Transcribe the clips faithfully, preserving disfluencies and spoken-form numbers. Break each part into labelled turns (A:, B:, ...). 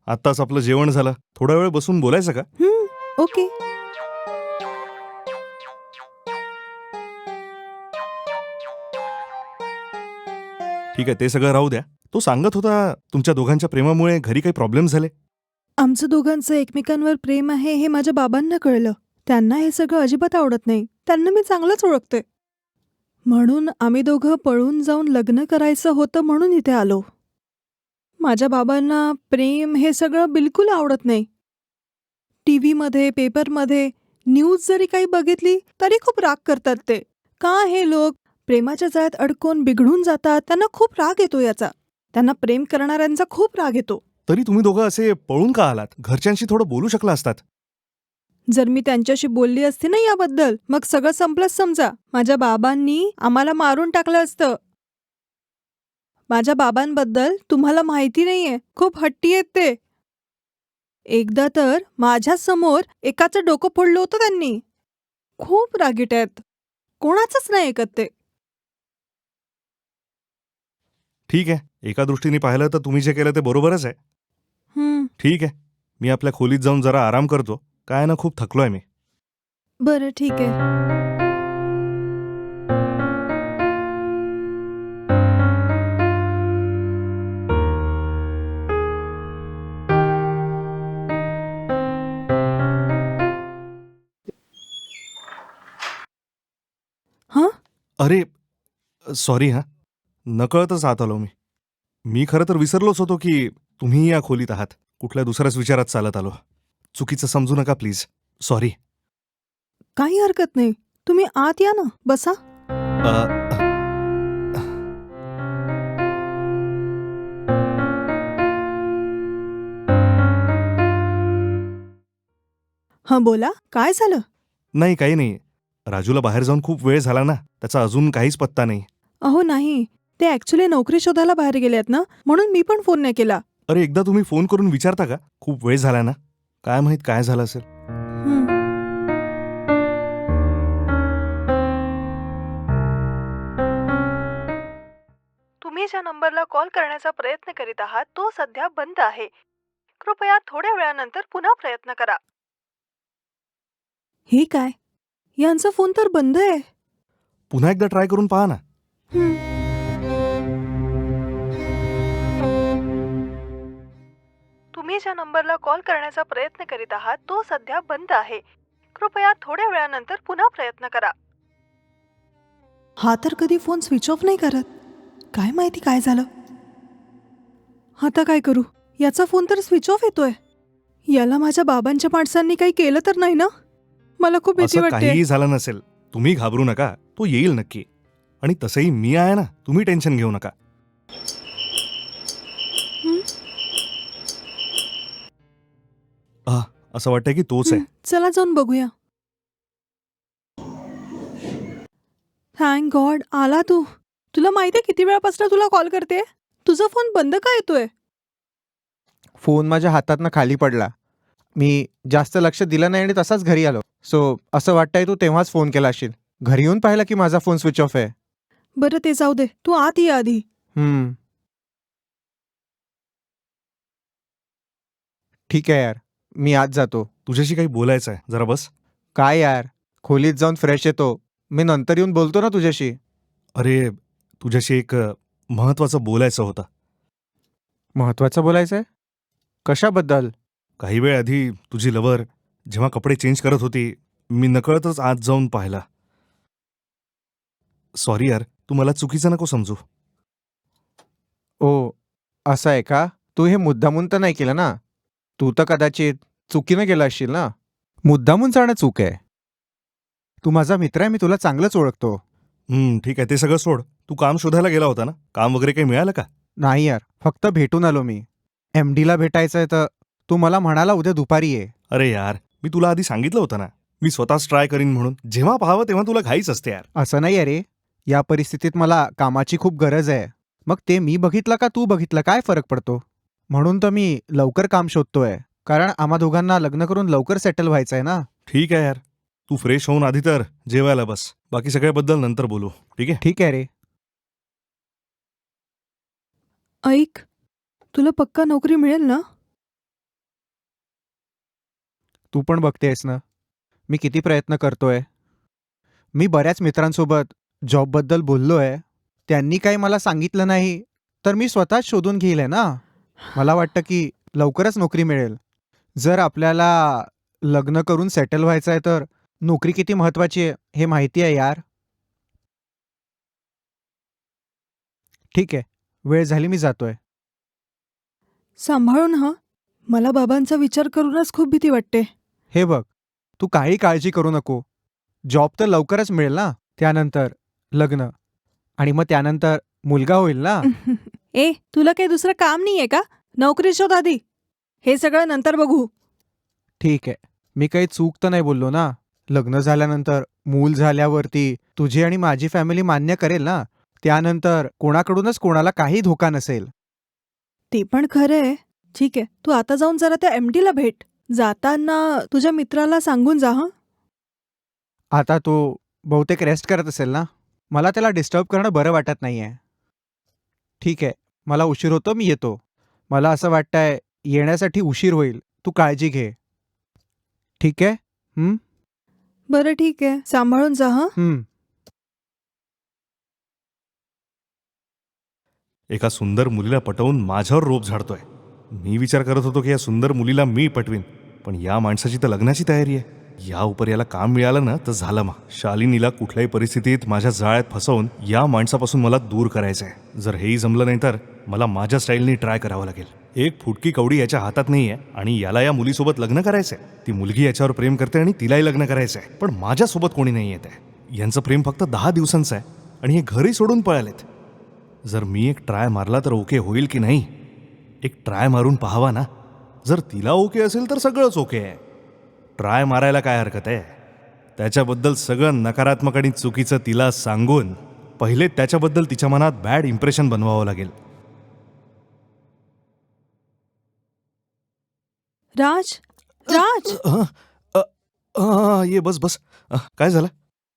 A: आत्ताच आपलं जेवण झालं, थोडा वेळ बसून बोलायचं का?
B: हं, ओके.
A: ठीक आहे, ते सगळं राहू द्या. तो सांगत होता तुमच्या दोघांच्या प्रेमामुळे घरी काही प्रॉब्लेम झाले.
B: आमचं दोघांचं एकमेकांवर प्रेम आहे हे माझ्या बाबांना कळलं. त्यांना हे सगळं अजिबात आवडत नाही. त्यांना मी चांगलंच ओळखते. म्हणून आम्ही दोघं पळून जाऊन लग्न करायचं होतं म्हणून इथे आलो. माझ्या बाबांना प्रेम हे सगळं बिलकुल आवडत नाही. टीव्हीमध्ये, पेपरमध्ये, न्यूज जरी काही बघितली तरी खूप राग करतात ते. का हे लोक प्रेमाच्या जाळ्यात अडकून बिघडून जातात? त्यांना खूप राग येतो याचा. त्यांना प्रेम करणाऱ्यांचा खूप राग येतो.
A: तरी तुम्ही दोघं असे पळून का आलात? घरच्यांशी थोडं बोलू शकला असतात.
B: जर मी त्यांच्याशी बोलली असती ना याबद्दल, मग सगळं संपलंच समजा. माझ्या बाबांनी आम्हाला मारून टाकलं असतं. माझ्या बाबांबद्दल तुम्हाला माहिती नाहीये, खूप हट्टी आहेत ते. एकदा तर माझ्या समोर एकाचं डोकं फोडलं होतं त्यांनी. खूप रागीट आहेत. कोणाचंच नाही ऐकत ते.
A: ठीक आहे, एका दृष्टीने पाहिलं तर तुम्ही जे केलं ते बरोबरच आहे.
B: हं,
A: ठीक आहे, मी आपल्या खोलीत जाऊन जरा आराम करतो. काय ना, खूप थकलोय मी.
B: बरं ठीक आहे. हं?
A: अरे, सॉरी हां. नकळतच आत आलो मी. मी खरं तर विसरलोच होतो की तुम्ही या खोलीत आहात. कुठल्या दुसऱ्याच विचारात चालत आलो. चुकीचं समजू नका प्लीज. सॉरी.
B: काही हरकत नाही. तुम्ही आत या ना, बसा.
A: अ,
B: हं, बोला. काय झालं?
A: नाही, काही नाही. राजूला बाहेर जाऊन खूप वेळ झाला ना, त्याचा अजून काहीच पत्ता नाही.
B: अहो नाही, ते ॲक्च्युली नोकरी शोधायला बाहेर गेलेत ना, म्हणून मी पण फोन नाही केला.
A: अरे, एकदा तुम्ही फोन करून विचारता का? खूप वेळ झाला ना. काय माहित काय झालं असेल.
B: हं. तुम्ही ज्या नंबरला कॉल करण्याचा प्रयत्न करीत आहात तो सध्या बंद आहे. कृपया थोड्या वेळानंतर पुन्हा प्रयत्न करा. हे काय? यांचा फोन तर बंद आहे.
A: पुन्हा एकदा ट्राय करून पहा ना.
B: हं. तुम्ही ज्या नंबरला कॉल करण्याचा प्रयत्न करीत आहात तो सध्या बंद आहे. कृपया थोड्या वेळानंतर पुन्हा प्रयत्न करा. हा तर कधी फोन स्विच ऑफ नाही करत. काय माहिती काय झालं? आता काय करू? याचा फोन तर स्विच ऑफ येतोय. याला माझ्या बाबांच्या माणसांनी काही केलं तर नाही ना? मला खूप भीती
A: असं
B: वाटते.
A: काहीही झालं नसेल. तुम्ही घाबरू नका. तो येईल नक्की. आणि तसंही मी आहे ना, तुम्ही टेन्शन घेऊ नका.
B: हं,
A: आह, असं वाटतंय की तोच आहे.
B: हं. चला जाऊन बघूया. थँक गॉड आला तू. तुला माहिती आहे किती वेळापासून तुला कॉल करते? तुझा फोन बंद का येतोय?
C: फोन माझ्या हातातनं खाली पडला. मी जास्त लक्ष दिलं नाही आणि तसाच घरी आलो. सो असं वाटतंय तू तेव्हाच फोन केला असशील. घरी येऊन पाहिलं की माझा फोन स्विच ऑफ आहे.
B: बरं ते जाऊ दे. तू आत ये आधी.
C: हम्म. ठीक आहे यार, मी आज जातो.
A: तुझ्याशी काही बोलायचं आहे, जरा बस.
C: काय यार, खोलीत जाऊन फ्रेश येतो. मी नंतर येऊन बोलतो ना तुझ्याशी.
A: अरे, तुझ्याशी एक अ, महत्वाचं बोलायचं होतं.
C: महत्वाचं बोलायचंय? कशाबद्दल?
A: काही वेळ आधी तुझी लवर जेव्हा कपडे चेंज करत होती, मी नकळतच आत जाऊन पाहिला. सॉरी यार, तू मला चुकीचं नको समजू.
C: ओ, असं आहे का? तू हे मुद्दामून तर नाही केलं ना? तू तर कदाचित चुकीनं केलं असशील ना? मुद्दामून जाणं चूक आहे. तू माझा मित्र आहे, मी तुला चांगलंच ओळखतो.
A: हं, ठीक आहे, ते सगळं सोड. तू काम शोधायला गेला होता ना? काम वगैरे काही मिळालं का?
C: नाही यार, फक्त भेटून आलो मी. एमडीला भेटायचंय तर तू मला म्हणाला उद्या दुपारी ये.
A: अरे यार, मी तुला आधी सांगितलं होतं ना, मी स्वतःच ट्राय करीन म्हणून. जेव्हा पाहावं तेव्हा तुला घाईच असते यार.
C: असं नाही आहे रे. या परिस्थितीत मला कामाची खूप गरज आहे. मग ते मी बघितलं का तू बघितलं काय फरक पडतो? म्हणून तर मी लवकर काम शोधतोय. कारण आम्हा दोघांना लग्न करून लवकर सेटल व्हायचंय ना.
A: ठीक आहे यार, तू फ्रेश होऊन आधी तर जेवायला बस. बाकी सगळ्याबद्दल नंतर बोलू, ठीक आहे?
C: ठीक आहे रे.
B: ऐक, तुला पक्का नोकरी मिळेल ना?
C: तू पण बघतेस ना मी किती प्रयत्न करतोय. मी बऱ्याच मित्रांसोबत जॉबबद्दल बोललो आहे. त्यांनी काही मला सांगितलं नाही तर मी स्वतःच शोधून घेईल आहे ना. मला वाटतं की लवकरच नोकरी मिळेल. जर आपल्याला लग्न करून सेटल व्हायचं आहे तर नोकरी किती महत्त्वाची आहे हे माहिती आहे यार. ठीक आहे, वेळ झाली, मी जातोय.
B: सांभाळून हं. मला बाबांचा विचार करूनच खूप भीती वाटते.
C: हे बघ, तू काही काळजी करू नको. जॉब तर लवकरच मिळेल ना. त्यानंतर लग्न आणि मग त्यानंतर मुलगा होईल ना.
B: ए, तुला काही दुसरं काम नाहीये का? नोकरी शोध आधी. हे सगळं नंतर बघू.
C: ठीक आहे, मी काही चूक तर नाही बोललो ना. लग्न झाल्यानंतर मूल झाल्यावरती तुझी आणि माझी फॅमिली मान्य करेल ना. त्यानंतर कोणाकडूनच कोणाला काही धोका नसेल.
B: ते पण खरं आहे. ठीक आहे, तू आता जाऊन जरा त्या एमडीला भेट. जाताना तुझ्या मित्राला सांगून जा हं.
C: आता तो बहुतेक रेस्ट करत असेल ना. मला त्याला डिस्टर्ब करणं बरं वाटत नाहीये. ठीक आहे, मला उशीर होतो, मी येतो. मला असं वाटतंय येण्यासाठी उशीर होईल. तू काळजी घे. ठीक आहे. हं?
B: बरं ठीक आहे, सांभाळून जा हं.
C: हं.
A: एका सुंदर मुलीला पटवून माझ्यावर रोप झाडतोय. मी विचार करत होतो की या सुंदर मुलीला मी पटवीन, पण या माणसाची तर लग्नाची तयारी आहे. या उपर याला काम मिळालं ना तर झालं. मग शालिनीला कुठल्याही परिस्थितीत माझ्या जाळ्यात फसवून या माणसापासून मला दूर करायचं आहे. जर हेही जमलं नाही तर मला माझ्या स्टाईलनी ट्राय करावं लागेल. एक फुटकी कवडी याच्या हातात नाही आहे आणि याला या मुलीसोबत लग्न करायचंय. ती मुलगी याच्यावर प्रेम करते आणि तिलाही लग्न करायचंय, पण माझ्यासोबत कोणी नाही येत आहे. यांचं प्रेम फक्त दहा दिवसांचं आहे आणि हे घरी सोडून पळालेत. जर मी एक ट्राय मारला तर ओके होईल की नाही? एक ट्राय मारून पाहावा ना. जर तिला ओके असेल तर सगळंच ओके आहे. ट्राय मारायला काय हरकत आहे? त्याच्याबद्दल सगळं नकारात्मक आणि चुकीचं तिला सांगून पहिले त्याच्याबद्दल तिच्या मनात बॅड इम्प्रेशन बनवावं लागेल.
B: राज, राज,
A: अ, अ, अ, ये बस बस. अ, काय झालं?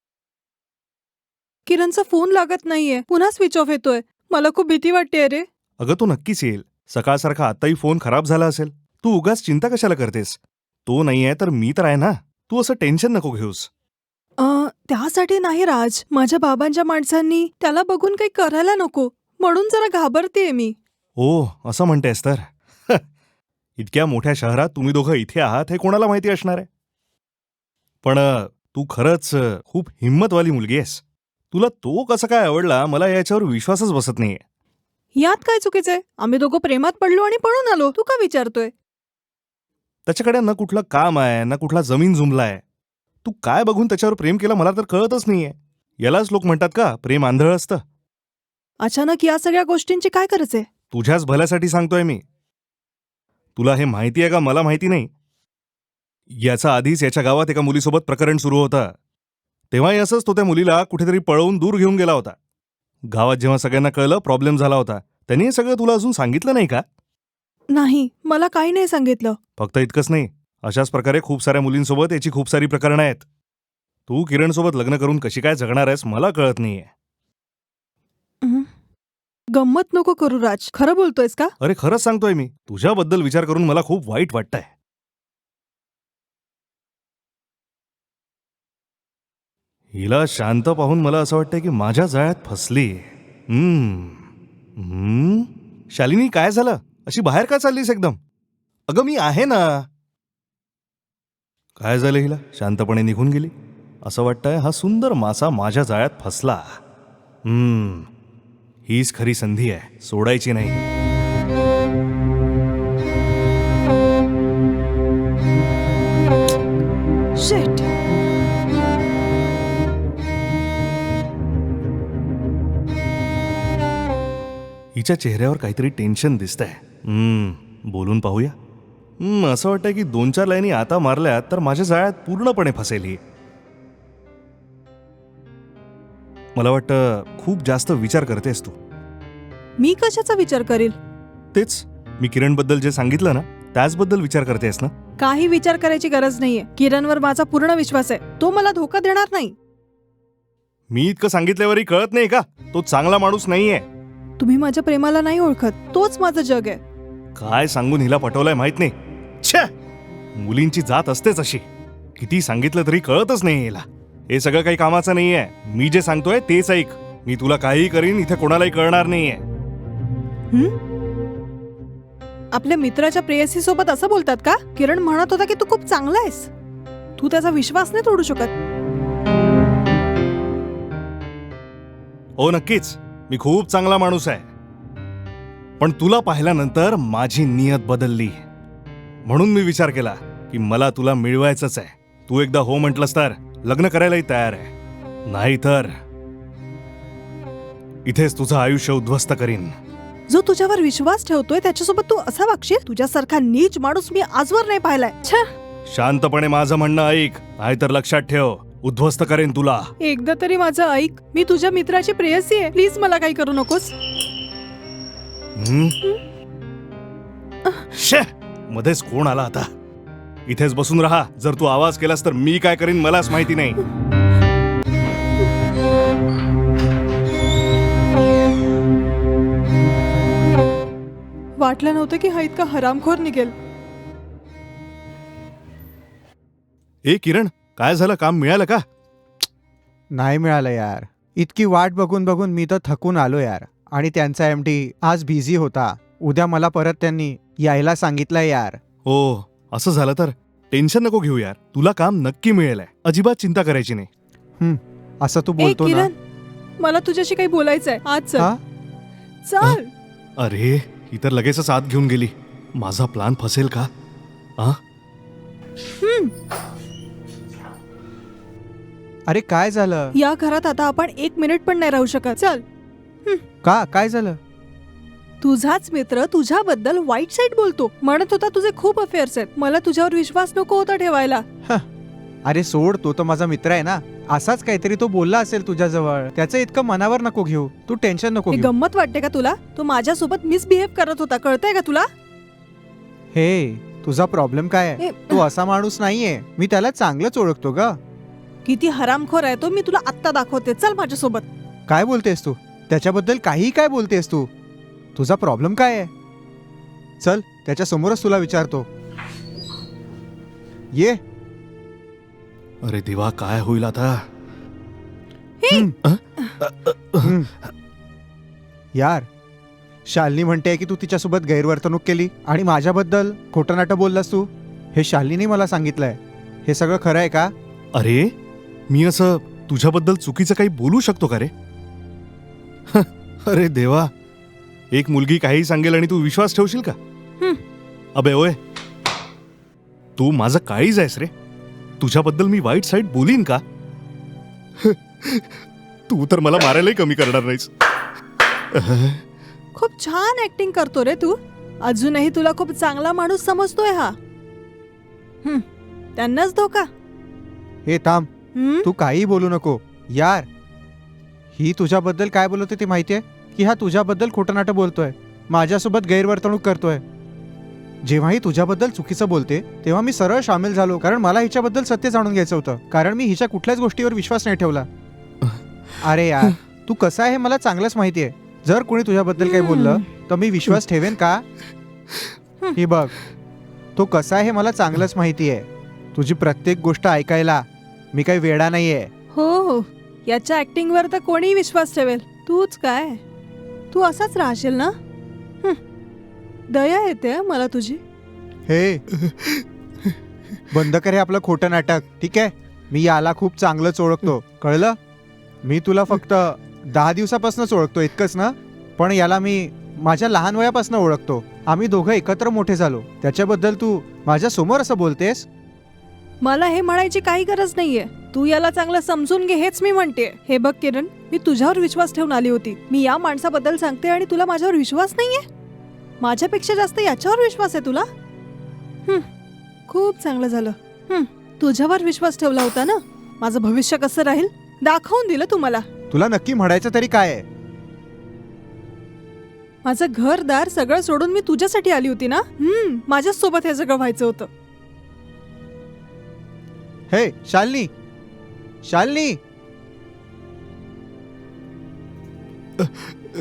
B: किरणचा फोन लागत नाहीये. पुन्हा स्विच ऑफ येतोय. मला खूप भीती वाटते रे.
A: अगं तो नक्कीच येईल. सकाळसारखा आताही फोन खराब झाला असेल. तू उगाच चिंता कशाला करतेस? तो नाही आहे तर मी तर आहे ना. तू असं टेन्शन नको घेऊस.
B: अ, त्यासाठी नाही राज. माझ्या बाबांच्या माणसांनी त्याला बघून काही करायला नको म्हणून जरा घाबरतेय मी.
A: ओ, असं म्हणतेस तर. इतक्या मोठ्या शहरात तुम्ही दोघं इथे आहात हे कोणाला माहिती असणार आहे? पण अ, तू खरंच अ, खूप हिंमतवाली मुलगी आहेस. तुला तो कसं काय आवडला मला याच्यावर विश्वासच बसत नाहीये.
B: यात काय चुकीचंय? आम्ही दोघं प्रेमात पडलो आणि पळून आलो. तू का विचारतोय?
A: त्याच्याकडे ना कुठलं काम आहे ना कुठला जमीन जुमलाय. तू काय बघून त्याच्यावर प्रेम केलं मला तर कळतच नाहीये. यालाच लोक म्हणतात का प्रेम आंधळ असतं?
B: अचानक या सगळ्या गोष्टींची काय गरज आहे?
A: तुझ्याच भल्यासाठी सांगतोय मी. तुला हे माहिती आहे का मला माहिती नाही. याचा आधीच याच्या गावात एका मुलीसोबत प्रकरण सुरू होतं. तेव्हाही असंच तो त्या मुलीला कुठेतरी पळवून दूर घेऊन गेला होता. गावात जेव्हा सगळ्यांना कळलं प्रॉब्लेम झाला होता, त्यांनी हे सगळं तुला अजून सांगितलं नाही का?
B: नाही, मला काही नाही सांगितलं.
A: फक्त इतकंच नाही, अशाच प्रकारे खूप साऱ्या मुलींसोबत याची खूप सारी प्रकरणं आहेत. तू किरणसोबत लग्न करून कशी काय जगणार आहेस मला कळत नाहीये.
B: हं. गंमत नको करू राज. खरं बोलतोयस का?
A: अरे खरंच सांगतोय मी. तुझ्याबद्दल विचार करून मला खूप वाईट वाटतंय. हिला शांत पाहून मला असं वाटतंय की माझ्या जाळ्यात फसली. हम्म हम्म शालिनी काय झालं? अशी बाहेर का चाललीस एकदम? अगं मी आहे ना. काय झालं हिला? शांतपणे निघून गेली. असं वाटतंय हा सुंदर मासा माझ्या जाळ्यात फसला. हम्म हीच खरी संधी आहे, सोडायची नाही.
B: शिट.
A: हिच्या चेहऱ्यावर काहीतरी टेन्शन दिसतंय. हम्म बोलून पाहूया. हम्म असं वाटतंय की दोन चार लाईनी आता मारल्या तर माझ्या जाळ्यात पूर्णपणे फसेल ही. मला वाटतं खूप जास्त विचार करतेस तू.
B: मी कशाचा विचार करील?
A: तेच मी किरणबद्दल जे सांगितलं ना त्याचबद्दल विचार करतेस ना?
B: काही विचार करायची गरज नाहीये. किरणवर माझा पूर्ण विश्वास आहे. तो मला धोका देणार नाही.
A: मी इतकं सांगितल्यावरही कळत नाही का? तो चांगला माणूस नाहीये.
B: तुम्ही माझ्या प्रेमाला नाही ओळखत. तोच माझं जग आहे.
A: काय सांगून हिला पटवलंय माहित नाही. छे मुलींची जात असतेच अशी. किती सांगितलं तरी कळतच नाही याला. हे सगळं काही कामाचं नाहीये. मी जे सांगतोय तेच ऐक. मी तुला काहीही करीन, इथे कोणालाही कळणार नाहीये.
B: आपल्या मित्राच्या प्रेयसी सोबत असं बोलतात का? किरण म्हणत होता की तू खूप चांगला आहेस. तू त्याचा विश्वास नाही तोडू शकत.
A: हो नक्कीच, मी खूप चांगला माणूस आहे. पण तुला पाहिल्यानंतर माझी नियत बदलली. म्हणून मी विचार केला की मला तुला मिळवायचंच आहे. तू एकदा हो म्हटलंस तर लग्न करायलाही तयार आहे. नाहीतर इथेच तुझं आयुष्य उद्ध्वस्त करीन.
B: जो तुझ्यावर विश्वास ठेवतोय त्याच्यासोबत तू असा वागशील? तुझ्यासारखा नीच माणूस मी आजवर नाही पाहिलाय. छा.
A: शांतपणे माझं म्हणणं ऐक, नाहीतर लक्षात ठेव उद्ध्वस्त करेन तुला.
B: एकदा तरी माझं ऐक. मी तुझ्या मित्राची प्रेयसी आहे. प्लीज मला काही करू नकोस.
A: हं? शे, मध्येच कोण आला आता? इथेच बसून राहा. जर तू आवाज केलास तर मी काय करीन मलाच माहिती नाही.
B: वाटलं नव्हतं की हा इतका हरामखोर निघेल.
A: ए किरण, काय झालं? काम मिळालं का?
C: नाही मिळालं यार. इतकी वाट बघून बघून मी तर थकून आलो यार. आणि त्यांचा एम डी आज बिझी होता. उद्या मला परत त्यांनी यायला सांगितलंय यार.
A: हो, असं झालं तर टेन्शन नको घेऊ यार. तुला काम नक्की मिळेल. अजिबात चिंता करायची नाही.
C: हं, असं तू
B: ए
C: बोलतो ना.
B: किरण, मला तुझ्याशी काही बोलायचंय. आज
C: हा?
B: चल. चल.
A: अरे, ही तर लगेचच आत घेऊन गेली. माझा प्लान फसेल का? आ?
C: अरे काय झालं?
B: या घरात आता आपण एक मिनिट पण नाही राहू शकत. चल.
C: का काय झालं?
B: तुझाच मित्र तुझ्याबद्दल वाईट साईड बोलतो. म्हणत होता तुझे खूप अफेअर्स आहेत. मला तुझ्यावर विश्वास नको होता ठेवायला.
C: अरे सोड, तो तर माझा मित्र आहे ना. असाच काहीतरी तो बोलला असेल तुझ्याजवळ. त्याचं इतकं मनावर नको घेऊ. तू टेन्शन नको
B: हे
C: घेऊ.
B: गंमत वाटते का तुला? तो माझ्यासोबत मिसबिहेव करत होता. कळतंय का तुला?
C: हे तुझा प्रॉब्लेम काय आहे?
B: ए,
C: तो असा माणूस नाहीये. मी त्याला चांगलंच ओळखतो ग.
B: किती हरामखोर आहे तो मी तुला आत्ता दाखवते. चल माझ्यासोबत.
C: काय बोलतेस तू? त्याच्याबद्दल काही काय बोलतेस तू? तुझा प्रॉब्लेम काय आहे? चल त्याच्या समोरच तुला विचारतो. ये.
A: अरे देवा, काय होईल आता?
C: हं. हं. यार, शालिनी म्हणते की तू तिच्यासोबत गैरवर्तणूक केली आणि माझ्याबद्दल खोटं नाटं बोललास तू. हे शालिनीने मला सांगितलंय. हे सगळं खरं आहे का?
A: अरे, मी असं तुझ्याबद्दल चुकीचं काही बोलू शकतो का रे? अरे देवा, एक मुलगी काही सांगेल आणि तू विश्वास ठेवशील का?
B: हं.
A: अबे ओय, तू माझं काळीज आहेस रे. तुझ्याबद्दल मी वाईट साईड बोलीन का? तू तर मला मारायलाही कमी करणार नाहीस.
B: खूप छान ऍक्टिंग करतो रे तू. अजूनही तुला खूप चांगला माणूस समजतोय हा. हं, त्यांनाच धोका.
C: हे थांब,
B: हं?
C: तू काही बोलू नको. यार, ही तुझ्याबद्दल काय बोलत होती माहितीये? की हा तुझ्याबद्दल खोटं नाटं बोलतोय, माझ्यासोबत गैरवर्तणूक करतोय. जेव्हाही तुझ्याबद्दल चुकीचं बोलते तेव्हा मी सरळ सामील झालो, कारण मला हिच्याबद्दल सत्य जाणून घ्यायचं होतं. कारण मी हिच्या कुठल्याच गोष्टीवर विश्वास नाही ठेवला. अरे यार, तू कसा आहे मला चांगलंच माहितीये. जर कोणी तुझ्याबद्दल काही बोललं तर मी विश्वास ठेवेन का? ही बघ, तो कसा आहे मला चांगलंच माहितीये. तुझी प्रत्येक गोष्ट ऐकायला मी काही वेडा नाहीये.
B: हो हो, याच्या ऍक्टिंग वर तर कोणीही विश्वास ठेवेल. तूच काय, तू असाच राहशील ना? हं. दया येते हं मला तुझी.
C: हे बंद कर हे आपलं खोटं नाटक, ठीक आहे? मी याला खूप चांगलंच ओळखतो, कळलं? मी तुला फक्त दहा दिवसापासूनच ओळखतो, इतकंच ना? पण याला मी माझ्या लहान वयापासून ओळखतो. आम्ही दोघं एकत्र मोठे झालो. त्याच्याबद्दल तू माझ्या समोर असं बोलतेस?
B: मला हे म्हणायची काही गरज नाहीये. तू याला चांगलं समजून घे, हेच मी म्हणते. हे बघ किरण, मी तुझ्यावर विश्वास ठेवून आली होती. मी या माणसाबद्दल सांगते आणि तुला माझ्यावर विश्वास नाहीये? माझ्यापेक्षा जास्त याच्यावर विश्वास आहे तुला? हं, खूप चांगलं झालं. हं, तुझ्यावर विश्वास ठेवला होता ना. माझं भविष्य कसं राहील दाखवून दिलं तू मला.
C: तुला नक्की म्हणायचं तरी काय आहे?
B: माझं घरदार सगळं सोडून मी तुझ्यासाठी आली होती ना. हं, माझ्याच सोबत हे सगळं व्हायचं होतं.
C: हे शालिनी, शालिनी.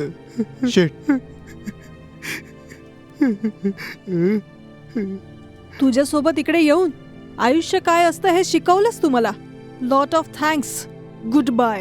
C: शिट.
B: तुझ्यासोबत इकडे येऊन आयुष्य काय असतं हे शिकवलंस तू मला. Lot of thanks. Good bye.